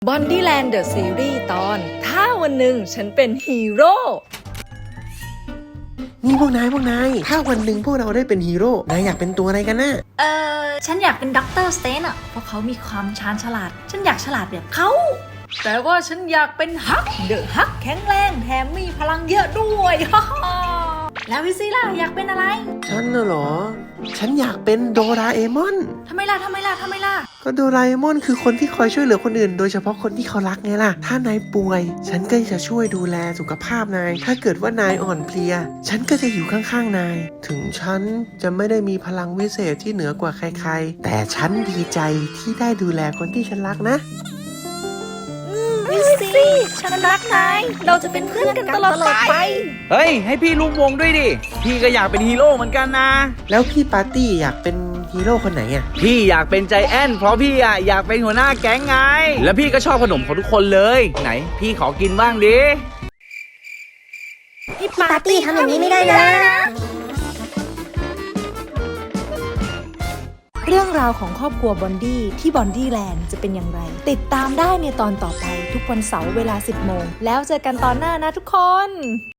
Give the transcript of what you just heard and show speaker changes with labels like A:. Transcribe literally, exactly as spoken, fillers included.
A: บอนดี้แลนด์เดอะซีรีส์ตอนถ้าวันหนึ่งฉันเป็นฮีโร่
B: นี่พวกนายพวกนายถ้าวันหนึ่งพวกเราได้เป็นฮีโร่นายอยากเป็นตัวอะไรกันนะ
C: เออฉันอยากเป็นด็อกเตอร์สเตนอะเพราะเขามีความชาญฉลาดฉันอยากฉลาดแบบเขาแต่ว่าฉันอยากเป็นฮักเดอะฮักแข็งแรงแถมมีพลังเยอะด้วยฮ่าฮ่าแล้ววิซี่ล่ะอยากเป็นอะไร
B: ฉันน่ะเหรอฉันอยากเป็นโดราเอมอน
C: ทำไมล่ะทำไมล่ะทำไมล่ะ
B: ก็โดราเอมอนคือคนที่คอยช่วยเหลือคนอื่นโดยเฉพาะคนที่เขารักไงล่ะถ้านายป่วยฉันก็จะช่วยดูแลสุขภาพนายถ้าเกิดว่านายอ่อนเพลียฉันก็จะอยู่ข้างๆนายถึงฉันจะไม่ได้มีพลังวิเศษที่เหนือกว่าใครๆแต่ฉันดีใจที่ได้ดูแลคนที่ฉันรักนะ
C: วิซี่ฉันรักนายเราจะเป็นเพื่อนกันตลอดไป
D: เฮ้ยให้พี่ร่วมวงด้วยดิพี่ก็อยากเป็นฮีโร่เหมือนกันนะ
B: แล้วพี่ปาร์ตี้อยากเป็นฮีโร่คนไหนอ่ะ
D: พี่อยากเป็นใจแอนเพราะพี่อ่ะอยากเป็นหัวหน้าแก๊งไงแล้วพี่ก็ชอบขนมของทุกคนเลยไหนพี่ขอกินบ้างดิ
C: พี่ปาร์ตี้ทำอย่างนี้ไม่ได้นะ
A: เรื่องราวของครอบครัวบอนดี้ที่บอนดี้แลนด์จะเป็นอย่างไรติดตามได้ในตอนต่อไปทุกวันเสาร์เวลาสิบโมงแล้วเจอกันตอนหน้านะทุกคน